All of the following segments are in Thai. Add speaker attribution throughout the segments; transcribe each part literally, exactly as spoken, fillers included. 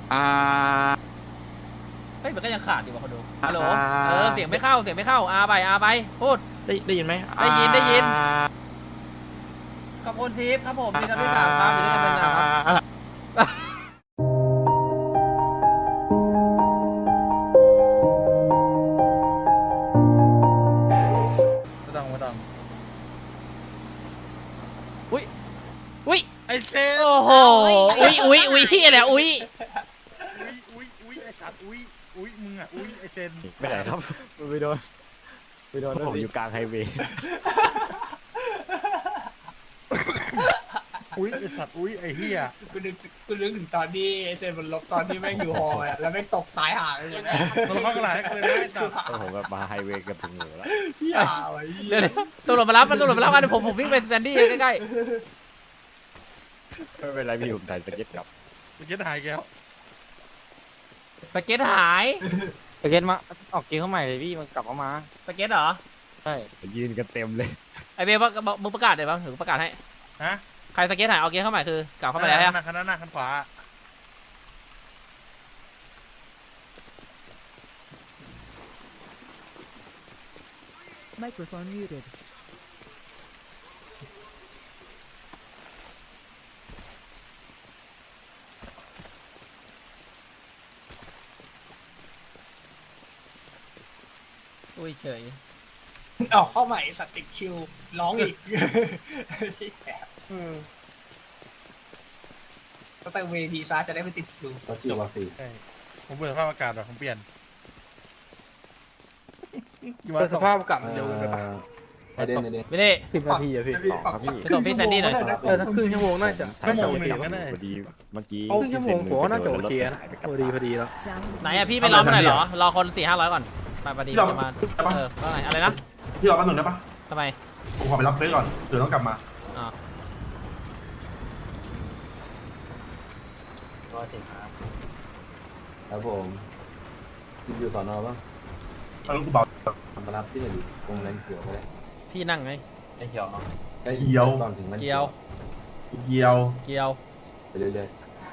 Speaker 1: อ่า
Speaker 2: เฮ้ยมันก็ยังขาดอยู่ว่ะคนดูฮัลโหลเออเสียงไม่เข้าเสียงไม่เข้าอาไปอาไปพูด
Speaker 1: ได้ได้ยินไหม
Speaker 2: ได้ยินได้ยินขอบคุณทิพย์ครับผมที่ทำให้ถามครับอยู่ด้วยกันนานๆครับไม่ต้องไม่ต้องอุ้ยอุ้ย
Speaker 3: ไอเซน
Speaker 2: โอ้โหอุ้ยอุ้ยอุ้ยพี่อะไรอุ้ย
Speaker 3: อุ้ยอุ้ยอุ้ยไอสัตว์อุ้ยอุ้ยมึงอ่ะอุ้ยไอเซน
Speaker 1: ไม่ไหนครับไปโดนไปโดนผมอยู่กลางไฮเวย์
Speaker 3: อุ้ยไอสัตว์อุ้ยไอเฮีย
Speaker 4: กูนึกกูนึกถึงตอนที่ไอเซนมันลบตอนที่แม่งอยู่ฮอลแล้วแม่งตกตายห่าเลยนะ
Speaker 3: มันเข้ากระไรกันเลยนะไอสัตว์
Speaker 1: ผมแบบมาไฮเวย์กับถึงหนูแล้ว
Speaker 4: พี่อ่ะไอ้
Speaker 2: เดี๋ยวตำรวจมารับมันตำรวจมารับกันผมผมวิ่งไปแซนดี้ใกล้
Speaker 1: ไม่เป็นไรพี่ผมถ่ายสเก็ตกลับ
Speaker 3: สเก็ตหายแก้ว
Speaker 2: สเก็ตหาย
Speaker 5: สเก็ตมาออกเกมเข้าใหม่เลยพี่มันกลับเข้ามา
Speaker 2: สเก็ตเหรอ
Speaker 5: ใช่
Speaker 1: ยืนกันเต็มเลย
Speaker 2: ไอเบลมึงประกาศเดี๋ยวมึงประกาศให้
Speaker 3: ฮะ
Speaker 2: ใครสเก็ตหายเอาเกมเข้าใหม่คือกลับเข้ามาแล้วฮะ
Speaker 3: คันหน้าหน้าคันขวา
Speaker 6: Microphone muted.
Speaker 2: อุ้ยเฉย
Speaker 4: ออกเข้าใหม่สติกคิวร้องอีกก็แต่เวทีซ่าจะได้ไม่ติดคิว
Speaker 3: จบสิผมเปลี่ยนสภาพอากาศหรอผมเปลี่ยน
Speaker 5: สภาพอากาศมันเร็วไปปะ
Speaker 2: ไม่ได้ไม่ได้
Speaker 5: สิบนาทีอะพี่
Speaker 2: ครับพี่ไปส่งพี่แซนดี้หน่อย
Speaker 5: เออถ้าครึ่งชั่วโมงน่าจะ
Speaker 3: ชั่วโมงหนึ่งก็ได้
Speaker 1: พอดีเมื่อกี้
Speaker 5: ครึ่งชั่วโมงผมน่าจะโอเคนะพอดีพอดีแล้ว
Speaker 2: ไหนอะพี่ไม่รอมาหน่อยเหรอรอคนสี่ห้าร้อยก่อนมาพอดีประมาณเออว่าไงอะไรนะ
Speaker 7: พี่รอแป๊บนึงได้ปะ
Speaker 2: ทำไม
Speaker 7: ผมขอไปรับเฟซก่อนเดี๋ยวต้องกลับมา
Speaker 2: อ๋อ
Speaker 8: ก็ถึงครับครับผมอยู่สอนอป่ะ
Speaker 7: เอาลูกกูเบา
Speaker 8: มารับที่ไหนดีวงแรงเขียวก็ได้
Speaker 2: พี่นั่งไง
Speaker 8: ไอ้เขียว
Speaker 7: เกี่ยว
Speaker 8: ตอนถึงมัน
Speaker 2: เกี่ยว
Speaker 7: เกี่ยว
Speaker 2: เกี่ยว
Speaker 8: ไปเรื่อย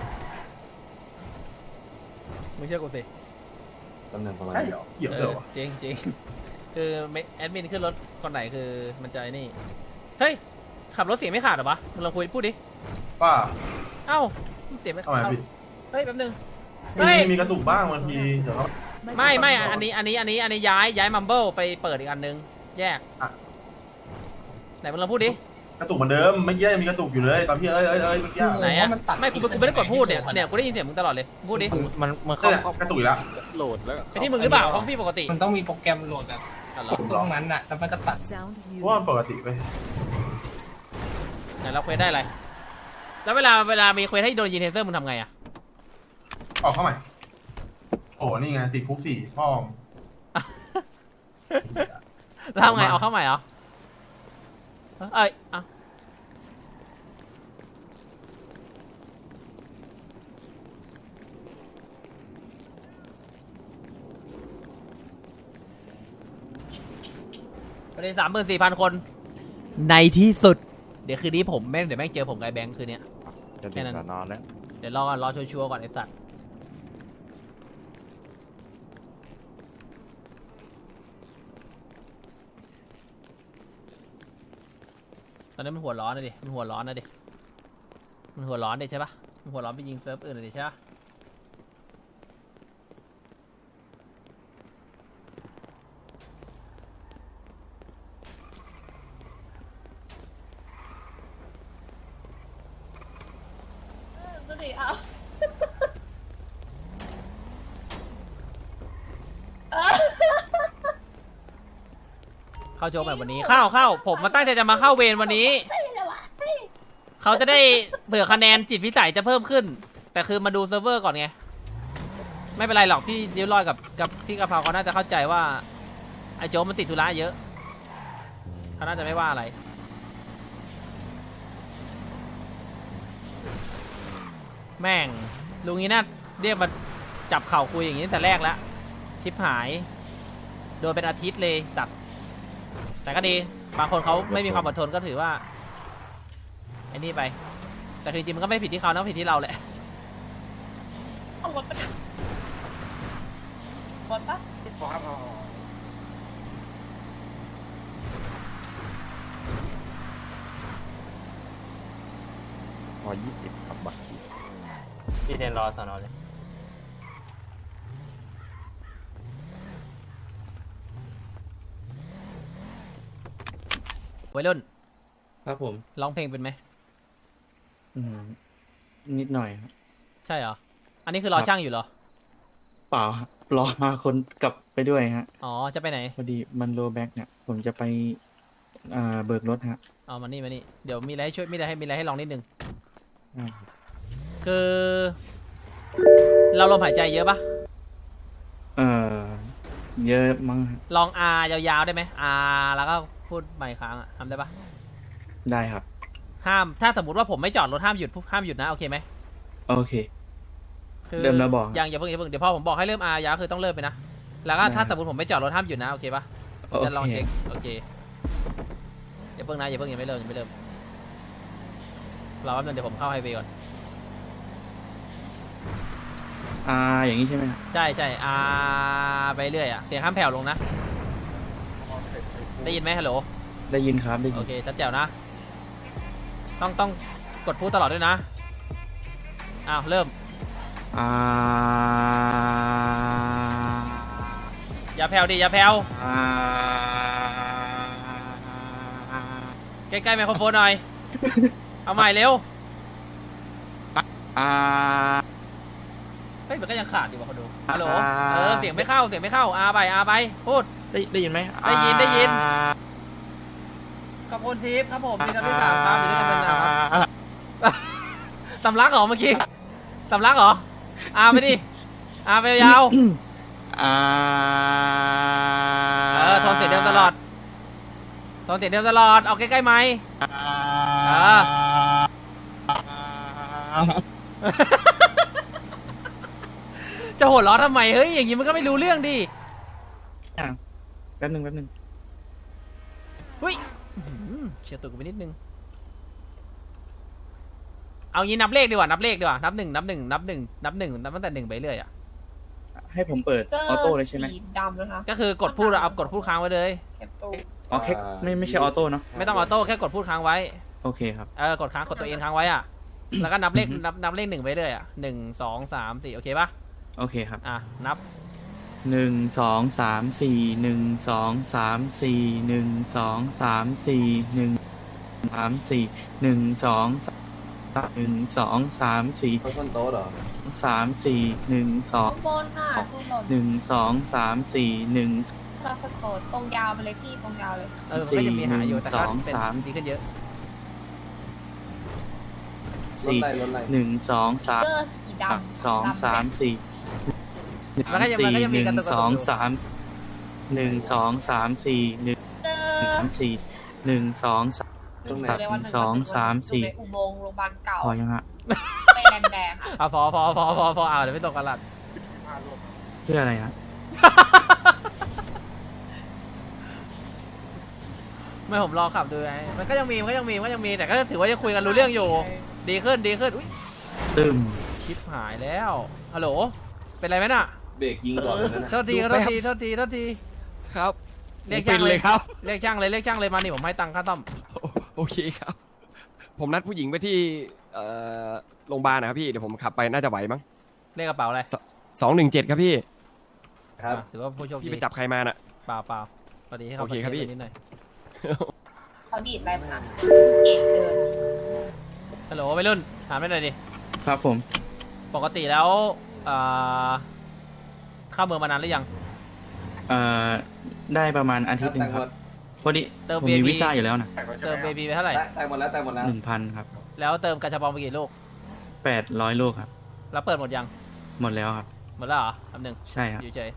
Speaker 2: มึงเชื่อกูสิ
Speaker 8: ตำแหน่งประมาณ
Speaker 7: ใช่เหรอเกี่ยวเหรอ
Speaker 2: จริงจริงคือแอดมินขึ้นรถคนไหนคือมันใจนี่เฮ้ยขับรถเสียงไม่ขาดหรอวะมึงลองคุยพูดดิ
Speaker 7: ป้า
Speaker 2: เอ้าเสียงไม่
Speaker 7: ทำไมพี่
Speaker 2: เฮ้ยแป๊บนึง
Speaker 7: มีมีกระตุกบ้างบางทีเดี๋ยว
Speaker 2: ไม่ไม่อันนี้อันนี้อันนี้อันนี้ย้ายย้ายมัมเบิลไปเปิดอีกอันนึงแยกไหนมึงลองพูดดิ
Speaker 7: กระตุกเหมือนเดิมไม่เยี่ยยังมีกระตุกอยู่เลยตอนพี่เอ้ยเอ้ยเอ้ยเมื่อกี้
Speaker 2: ไหนอะไม่กูกูไม่ได้กดพูดเนี่ยเนี่ยกูได้ยินเสียงมึงตลอดเลยพูดดิ
Speaker 5: มันมันเข้าก
Speaker 7: ระตุกอีกแล้ว
Speaker 5: โหลดแล้ว
Speaker 2: ไอ้ที่มึงหรือเปล่าของพี่ปกติ
Speaker 4: มันต้องมีโปรแกรมโหลดแบบตรงนั้นอะแล้วมันก็ตัด
Speaker 7: ว่ามันปกติไป
Speaker 2: ไหนเราเควสได้อะไรแล้วเวลาเวลามีเควสให้โดนยิงเทเซอร์มึงทำไงอะ
Speaker 7: ออกเข้าใหม่โอ้นี่ไงติดคุกสี่พ่อม
Speaker 2: แล้วทำไงเอาเข้าใหม่เหรอเอ้ยอ่ะประเด็นสามหมื่นสี่พันคนในที่สุดเดี๋ยวคืนนี้ผมแม่งเดี๋ยวแม่งเจอผมกับไอ้แบงค์คืนนี้
Speaker 1: แค่นั้นนอนแล้ว
Speaker 2: เดี๋ยวรอก่อนรอชัวร์ๆก่อนไอ้สัตว์ตอนนี้มันหัวร้อนนะดิมันหัวร้อนนะดิมันหัวร้อนดิใช่ปะมันหัวร้อนไปยิงเซิร์ฟอื่นเลยดิใช่ปะ
Speaker 9: ดูดิเอา
Speaker 2: เข้าโจมแบบวันนี้เข้าเข้าผมมาตั้งใจจะมาเข้าเวรวันนี้เขาจะได้เผื่อคะแนนจิตพิสัยจะเพิ่มขึ้นแต่คือมาดูเซิร์ฟเวอร์ก่อนไงไม่เป็นไรหรอกพี่เดียวรอยกับกับพี่กะเพราเขาน่าจะเข้าใจว่าไอ้โจมมันติดธุระเยอะเขาน่าจะไม่ว่าอะไรแม่งลุงนี้น่าเรียกมาจับเข่าคุยอย่างนี้แต่แรกแล้วชิปหายโดนเป็นอาทิตย์เลยสัตว์แต่ก็ดีบางคนเขาไม่มีความอดทนก็ถือว่าไอ้นี่ไปแต่จริงๆมันก็ไม่ผิดที่เขานะผิดที่เราแหละ
Speaker 9: เอารถไปรถปะ
Speaker 3: พอครับเอา
Speaker 5: พอยี่สิบครับบัตร
Speaker 1: พี่เทนรอสอนอเลย
Speaker 2: วัยรุ่น
Speaker 6: ครับผม
Speaker 2: ร้องเพลงเป็นไหม
Speaker 6: อืมนิดหน่อยครับ
Speaker 2: ใช่เหรอ อันนี้คือรอ
Speaker 6: ครับ
Speaker 2: ช่างอยู่เหรอ
Speaker 6: เปล่าครับรอมาคนกลับไปด้วยฮะ
Speaker 2: อ๋อ จะไปไหน
Speaker 6: พอดีมันโลแบ็กเนี่ย ผมจะไปอ่าเบิกรถฮะ
Speaker 2: เอามานี่มานี่ เดี๋ยวมีอะไรให้ช่วย มีอะไรให้มีอะไรให้ลองนิดนึง
Speaker 6: ได้ครับ
Speaker 2: คือ เราลมหายใจเยอะปะ
Speaker 6: เอ่อเยอะมั้งฮะ
Speaker 2: ลอง R ยาวๆได้ไหม R แล้วก็พูดใหม่ค้างอะทำได้ปะ
Speaker 6: ได้ครับ
Speaker 2: ห้าม ถ้าสมมติว่าผมไม่จอดรถห้ามหยุด ห้ามหยุดนะ โอเคไหม
Speaker 6: โอเค
Speaker 2: คือ
Speaker 6: เริ่มแล้วบอก
Speaker 2: ยังอย่าเพิ่งอย่าเพิ่ง เดี๋ยวพอผมบอกให้เริ่ม R ยาวคือต้องเริ่มไปนะ แล้วก็
Speaker 6: ได้
Speaker 2: ถ้าสมมติผมไม่จอดรถห้ามหยุดนะ โอเคปะ
Speaker 6: โอเค
Speaker 2: จะลองเช็ค โอเค อย่าเพิ่งนะอย่าเพิ่งยังไม่เริ่มยังไม่เริ่มรอแป๊บนึงเดี๋ยวผมเข้าไฮเวย์ก่อน
Speaker 6: อ่าอย่างนี้ใช่ไหมครับ
Speaker 2: ใช่ใช่อาไปเรื่อยอะเสียงข้ามแผ่วลงนะ ได้ยินไหมฮัลโหล
Speaker 6: ได้ยินครับได้ยิ
Speaker 2: โอน เคชัดแจ๋วนะ ต้องต้องกดพูดตลอดด้วยนะ อ้าว เริ่ม
Speaker 6: อ่า
Speaker 2: อย่าแผ่วดิ อย่าแผ่ว
Speaker 6: อ่า
Speaker 2: ใกล้ๆไมโครโฟนหน่อย เอาใหม่เร็ว
Speaker 6: อ่า
Speaker 2: เฮ้ย มันก็ยังขาดอยู่ว่ะคนดู ฮัลโหล เออ เสียงไม่เข้า เสียงไม่เข้า อาไปอาไป พูด
Speaker 6: ได้ได้ยินไหม
Speaker 2: ได้ยินได้ยิน
Speaker 6: อ่า
Speaker 2: ขอบคุณทิพย์ครับผมที่ทำที่สามครับอยู่ด้วยกันเป็นนะครับสำลักเหรอเมื่อกี้สำลักเหรอ อาไปดิ อาไปยาว
Speaker 6: อ่า
Speaker 2: เออโทนเสียงเดิมตลอดโทนเสียงเดิมตลอด เอาใกล้ๆไหมค์เออ จะหัวเราะทำไม เฮ้ย อย่างนี้มันก็ไม่รู้เรื่องดิ
Speaker 6: แป๊บหนึ่งแป๊บหนึ่ง
Speaker 2: เฮ้ยอื้อหือเฉียวตัวกูไปนิดนึง เอางี้นับเลขดีกว่า นับเลขดีกว่า นับหนึ่งนับหนึ่งนับหนึ่งนับหนึ่งนับตั้งแต่หนึ่งไปเรื่อยอ่ะ
Speaker 6: ให้ผมเปิดออโต้เลยใช่ไหม
Speaker 9: สีดำนะคะ
Speaker 2: ก็คือกดพูดเอากดพูดค้างไว้เลย
Speaker 9: แคปตู
Speaker 6: อ๋อแค่ไม่ไม่ใช่ออโต้เนาะ
Speaker 2: ไม่ต้องออโต้แค่กดพูดค้างไว้
Speaker 6: โอเคครับ
Speaker 2: เออกดค้างกดตัวเองค้างไว้อ่ะ แล้วก็นับเลขนับนับเลขหนึ่งไปเรื่อยอ่ะหนึ่งสองสามสี่โอเคปะ
Speaker 6: โอเคครับ
Speaker 2: อ่ะนับ
Speaker 6: หนึ่งสองสามสี่หนึ่งสองสามสี่หนึ่งสองสามสี่หนึ่งสามสี่หนึ่งสองสามหนึ่งสองสามสี่
Speaker 8: เขาต้นโต๊ะเหรอ
Speaker 6: สามสี่หนึ่งสอง
Speaker 9: ข้างบนน่ะตู้หล่น
Speaker 6: หนึ่งสองสามสี่หนึ่ง
Speaker 9: เราสโตดตรงยาวไปเลยพี่ตรงยาวเลย
Speaker 2: เออมันก็จะมีหาอยู่แต่ก็
Speaker 6: สี่หนึ่งสอง
Speaker 2: เป็น
Speaker 6: สาม
Speaker 2: ดีขึ้นเยอะ
Speaker 8: รถ
Speaker 6: สี่
Speaker 8: อะไรรถอะไร
Speaker 6: หนึ่งสองสาม
Speaker 9: เกอร์สีดำ
Speaker 6: สอง
Speaker 9: ดำ
Speaker 6: สามสี่
Speaker 2: มันก็ยังมันก็ยังมี
Speaker 6: ห
Speaker 2: กระ
Speaker 6: นึ่
Speaker 2: ตุ
Speaker 6: ง
Speaker 2: กกระตุก
Speaker 6: สอง
Speaker 2: อยู่
Speaker 6: สามหนึ่งสองสามสี่หนึ่ง
Speaker 9: เจอ
Speaker 6: สามสี่หนึ่งสองสาม
Speaker 8: ตรงไหน
Speaker 9: อยู่ในวันหนึ่
Speaker 6: สองสามสี่
Speaker 9: อยู่ในอุโมงค์โรงพยาบาลเก่า
Speaker 6: พอยังฮะ
Speaker 9: ไปแดงแดงๆอะ
Speaker 2: อ่ะพอพอพอพอพอเอาเดี๋ยวไม่ตกกันหลัด
Speaker 6: เพื่ออะไรฮะ
Speaker 2: ไม่ผมรอขับดูไงมันก็ยังมีมันก็ยังมีมันก็ยังมีแต่ก็ถือว่ายังคุยกันรู้เรื่องอยู่ ดีขึ้นดีขึ้นอุ้ย
Speaker 6: ตึม
Speaker 2: ชิปหายแล้วฮัลโหลเป็นไรไหมน่ะ
Speaker 8: เบรกยิงก่อนเลยนะ
Speaker 2: โทษทีโทษทีโทษทีโทษที
Speaker 10: ครับ
Speaker 2: เรียกช่างเลย
Speaker 10: ครับ
Speaker 2: เรียกช่างเลยเรียกช่างเลยมานี่ผมให้ตังค่าซ่อม
Speaker 10: โอโอเคครับ ผมนัดผู้หญิงไปที่เอ่อโรงพยาบาลนะครับพี่ เดี๋ยวผมขับไปน่าจะไหวมั้ง
Speaker 2: เรียกกระเป๋าอะไร
Speaker 10: สองหนึ่งเจ็ดครับพี่
Speaker 8: ครับ
Speaker 2: อ่ะถือว่าผู้โชคดี
Speaker 10: พี่ไปจับใครมาน่ะ
Speaker 2: เปล่าเปล่าพอดีให้เขา
Speaker 10: โอเคครับพี่
Speaker 2: ไปนิดหน่อย
Speaker 9: เขาดีดอะไรมันอ่ะเอกเดิน
Speaker 2: ฮัลโหลวัยรุ่นถามได้หน่อยดิ
Speaker 6: ครับผม
Speaker 2: ปกติแล้วเอ่อเข้าเมืองมานานหรือยัง
Speaker 6: เอ่อได้ประมาณอาทิตย์หนึ่งครับ พอดี
Speaker 2: เติม
Speaker 6: ผมมี
Speaker 2: วี
Speaker 6: วีซ่าอยู่แล้วนะ
Speaker 2: เติมเบบีไปเท่าไหร่
Speaker 8: แต่หมดแล้วแต่หมดแล้ว
Speaker 6: หนึ่งพันครับ
Speaker 2: แล้วเติมกระชับปองไปกี่ลูก
Speaker 6: แปดร้อยลูกครับ
Speaker 2: แล้วเปิดหมดยัง
Speaker 6: หมดแล้วครับ
Speaker 2: หมดแล้วเหรอแป๊บหนึง
Speaker 6: ใช่ครับ
Speaker 2: อยู่เฉย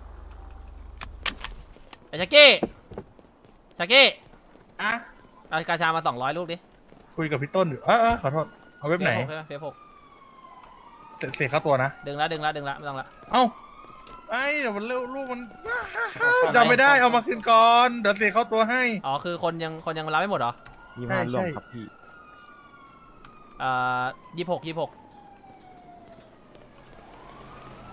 Speaker 2: ไอ้ชักกี้ชักกี้
Speaker 3: อ่ะ
Speaker 2: เอากาชามาสองร้อยลูกดิ
Speaker 3: คุยกับพี่ต้นอยู่เออเออขอโทษเอาเว็บไหน
Speaker 2: เฟซหกใช่ไหมเฟซหก
Speaker 3: เสเสียค่าตัวนะ
Speaker 2: ดึงละดึงละดึงละไม่ต้องละ
Speaker 3: เอ้าไอ้เดี๋ยวมันเร็วลูกมันจำไม่ได้เอามาคืนก่อนเดี๋ยวเสียเข้าตัวให้
Speaker 2: อ๋อคือคนยังคนยังรับไม่หมดเหรอ
Speaker 10: ยี่ห้า
Speaker 3: ใช่
Speaker 10: ร่วม
Speaker 3: ใช่
Speaker 10: ครับพี่
Speaker 2: เอ่อยี่หกยี่หก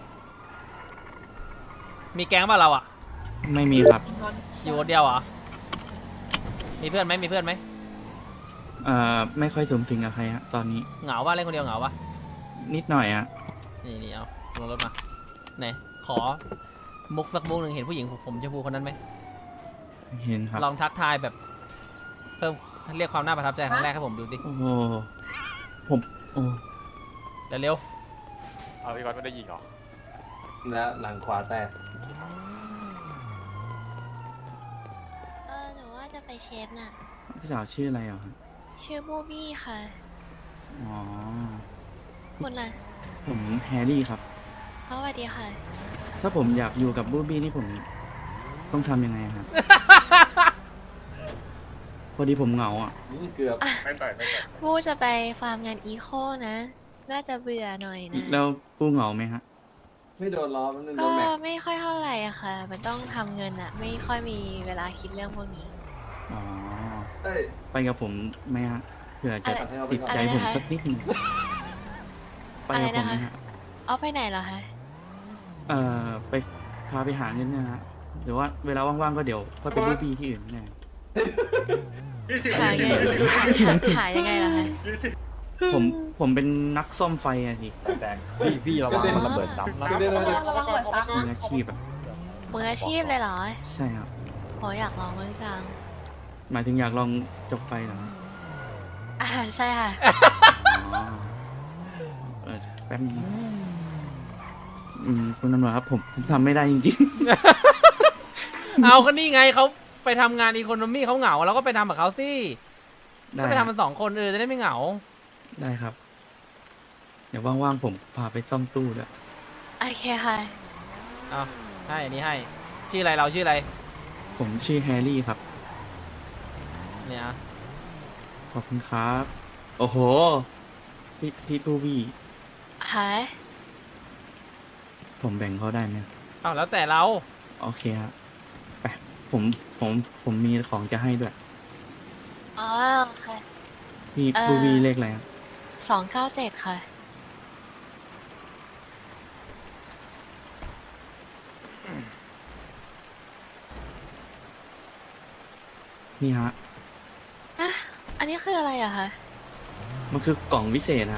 Speaker 2: มีแก๊งป่ะเราอ่ะ
Speaker 6: ไม่มีครับ
Speaker 2: อยู่คนเดียวเหรอมีเพื่อนไหมมีเพื่อนไหม
Speaker 6: เอ่อไม่ค่อยสูงสิงกับใครฮะตอนนี้
Speaker 2: เหงาป่ะเล่นคนเดียวเหงาป่ะ
Speaker 6: นิดหน่อยฮะ
Speaker 2: นี่นี่เอาลงรถมาไหนขอมุกสักมุกหนึ่งเห็นผู้หญิงผมชมพูคนนั้นไหม
Speaker 6: เห็นครับ
Speaker 2: ลองทักทายแบบเพิ่มเรียกความน่าประทับใจครั้งแรกให้ผมดูสิ
Speaker 6: โอ้โหผมโอ้
Speaker 2: เร็ว
Speaker 5: เอาพี่ก๊อตไม่ได้ยิงเหรอ
Speaker 8: และหลังขวาแตก
Speaker 9: เออหนูว่าจะไปเชฟน่ะ
Speaker 6: พี่สาวชื่ออะไรอ่ะครับ
Speaker 9: ชื่อบูบี้ค่ะ
Speaker 6: อ๋อ
Speaker 9: คุณล่ะ
Speaker 6: ผมแฮร์รี่ครับ
Speaker 9: สวัสดีค่ะ
Speaker 6: ถ้าผมอยากอยู่กับบูบี้นี่ผมต้องทำยังไงครับ พอดีผมเหงาอ่ะ
Speaker 8: เกือบ
Speaker 3: ไม่ต่อยไม่ต่อย
Speaker 9: บูจะไปฟาร์มงานอีโคนะ น่าจะเบื่อหน่อยนะ
Speaker 6: แล้วปูเหงาไหมฮะ
Speaker 8: ไม่โดนล้อมันโด
Speaker 9: ก็
Speaker 8: นแม็ก
Speaker 9: ไม่ค่อยเท่าไหร่อะค่ะ มันต้องทำเงินอะไม่ค่อยมีเวลาคิดเรื่องพวกนี้
Speaker 6: อ๋อ
Speaker 8: เอ้ย
Speaker 6: ไปกับผมไหมฮะเผื่อจะ
Speaker 9: อะไร
Speaker 6: ติดใจ
Speaker 9: อะไร
Speaker 6: ผม
Speaker 9: นะคะ
Speaker 6: สักนิดหนึงไปกับผมไหมฮะ
Speaker 9: เอาไปไหนเหรอคะ
Speaker 6: เอ่อไปพาไปหาเงินเนะฮะหรือว่าเวลาว่างๆก็เดี๋ยวค่อยไปบูบี้ที่อื่นแน่
Speaker 9: หายังไงหายังไงล่ะคะ
Speaker 6: ผมผมเป็นนักซ่อมไฟอะสิ
Speaker 5: แดงๆพี่พี่ระวังมันระเบิดซ้ำนะ
Speaker 8: เดี๋ยวเดี๋ยวเดี๋ยว
Speaker 9: ระวังเปิดซัก
Speaker 6: มืออาชีพอะ
Speaker 9: มืออาชีพเลยเหรอ
Speaker 6: ใช่ครับ
Speaker 9: โหอยากลองบ้างจัง
Speaker 6: หมายถึงอยากลองจบไฟเหรอ
Speaker 9: อ่าใช่ค่ะ
Speaker 6: อ๋อเออแป๊บนึงนะอืมคุณตำรวจครับผมผมทำไม่ได้จริง
Speaker 2: ๆ เอาก็นี่ไงเขาไปทำงานอีโคโนมี่เขาเหงาเราก็ไปทำกับเขาสิ
Speaker 6: ๆ ได้
Speaker 2: ก็ไป
Speaker 6: ค
Speaker 2: ทำ
Speaker 6: รับ
Speaker 2: มันสองคนเออจะได้ไม่เหงา
Speaker 6: ได้ครับ เดี๋ยวว่างๆผมพาไปซ่อมตู้ด้วย
Speaker 9: โอเคค่ะ
Speaker 2: เอาให้อันนี้ให้ชื่ออะไรเราชื่ออะไร
Speaker 6: ผมชื่อแฮร์รี่ครับ
Speaker 2: เนี่ยอ่ะ
Speaker 6: ขอบคุณครับ โอ้โห พี่พี่ทูบี้
Speaker 9: หา
Speaker 6: ผมแบ่งเขาได้ไหม
Speaker 2: เอาแล้วแต่เรา
Speaker 6: โอเคครับไปผมผมผมมีของจะให้ด้วย
Speaker 9: อ๋อค่ะ
Speaker 6: พี่
Speaker 9: เอ่อ
Speaker 6: ทูบี้เลขอะไรครับ
Speaker 9: สองเก้าเจ็ดค่ะ
Speaker 6: นี่ฮะ
Speaker 9: อ่ะ อันนี้คืออะไรอะคะ
Speaker 6: มันคือกล่องวิเศษฮะ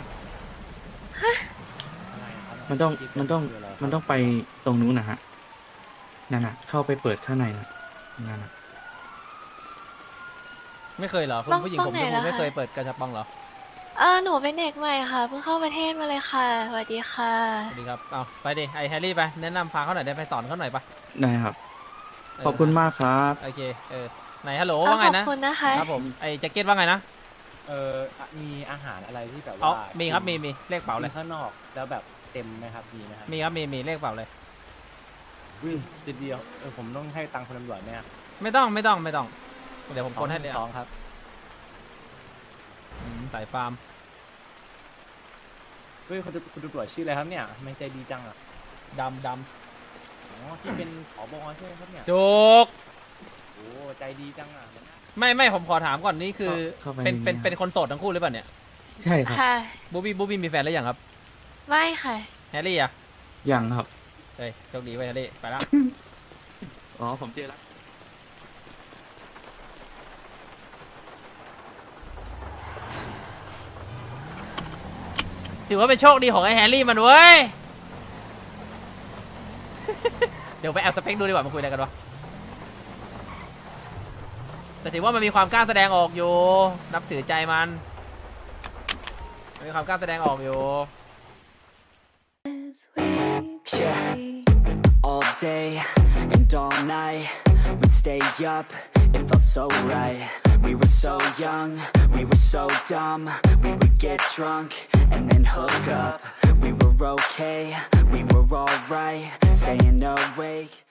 Speaker 6: มันต้องมันต้องมันต้องไปตรงนู้นนะฮะนั่นน่ะ เข้าไปเปิดข้างในนะนั่นน่ะ
Speaker 2: ไม่เคยเหรอคุณ
Speaker 9: ต้อง
Speaker 2: ผู้หญิง
Speaker 9: ต้
Speaker 2: ผ
Speaker 9: อง
Speaker 2: ม
Speaker 9: ไหน
Speaker 2: ชมพู
Speaker 9: ล่ะ
Speaker 2: ไม่เคย
Speaker 9: คะ
Speaker 2: เปิดกระชับปองเหรอ
Speaker 9: เออหนูเป็นเด็กใหม่ค่ะ เพิ่งเข้าประเทศมาเลยค่ะ สวัสดีค่ะ
Speaker 2: สวัสดีครับเอาไปดิไอแฮร์รี่ไปแนะนำพาเขาหน่อยได้ไปสอนเขาหน่อยปะ
Speaker 6: ได้ครับ
Speaker 2: เ
Speaker 6: ขอบคุณมากครับ
Speaker 2: โอเคเออไหนฮัลโหล
Speaker 9: เออ
Speaker 2: ว่าไง
Speaker 9: ขอบ
Speaker 2: นะ
Speaker 9: คุณนะคะ
Speaker 2: ครับผมไอแจ็คเก็ตว่าไงนะ
Speaker 11: เออมีอาหารอะไรที่แบบ
Speaker 2: อ๋อ
Speaker 11: ว่า
Speaker 2: มีครับมีมีเลขเป๋าเลย
Speaker 11: ข้างนอกแล้วแบบเต็มไหมครับมีไหมครับ
Speaker 2: มีครับมีมีเลขเป๋าเลย
Speaker 11: อุ้ยจิตเดียวเออผมต้องให้ตังค์คนตำรวจไหมครับ
Speaker 2: ไม่ต้องไม่ต้องไม่ต้องเดี๋ยวผมโอนให้เลย
Speaker 11: สอ
Speaker 2: อ่ะ
Speaker 11: งครับ
Speaker 2: อืมสายฟาร์ม
Speaker 11: เฮ้ยคุณตคุณตำรวจชื่ออะไรครับเนี่ยทำไม่ใจดีจังอ่ะ
Speaker 2: ดำด
Speaker 11: อ๋อที่เป็นผบใช่ไหมครับเนี่ย
Speaker 2: ำจุก
Speaker 11: โอ้ใจดีจังอ่ะ
Speaker 2: ไม่ไม่ผมขอถามก่อนนี่คือ
Speaker 6: เข้าไป
Speaker 2: เป็น
Speaker 6: ในนี้
Speaker 2: เป็น
Speaker 6: ครับ
Speaker 2: เป็นคนโสดทั้งคู่หรือเปล่าเนี่ย
Speaker 6: ใช่ครับ
Speaker 9: ค่ะ
Speaker 2: บูบี้บูบี้มีแฟนแล้วยังครับ
Speaker 9: ไม่ค่ะ
Speaker 2: แฮร์รี่อ่ะ
Speaker 6: ยังครับ
Speaker 2: เฮ้ยโชคดีไว้แฮร์รี่ไปละ
Speaker 6: อ๋อผมเจอแล้ว
Speaker 2: ถือว่าเป็นโชคดีของไอ้แฮร์รี่มันเว้ย เดี๋ยวไปแอบสเปคดูดีกว่ามาคุยอะไรกันวะแต่ถือว่ามันมีความกล้าแสดงออกอยู่ นับถือใจมันมันมีความกล้าแสดงออกอยู่
Speaker 12: Yeah, all day and all night we'd stay up, it felt so right. We were so young, we were so dumb. We would get drunk and then hook up. We were okay, we were alright, staying awake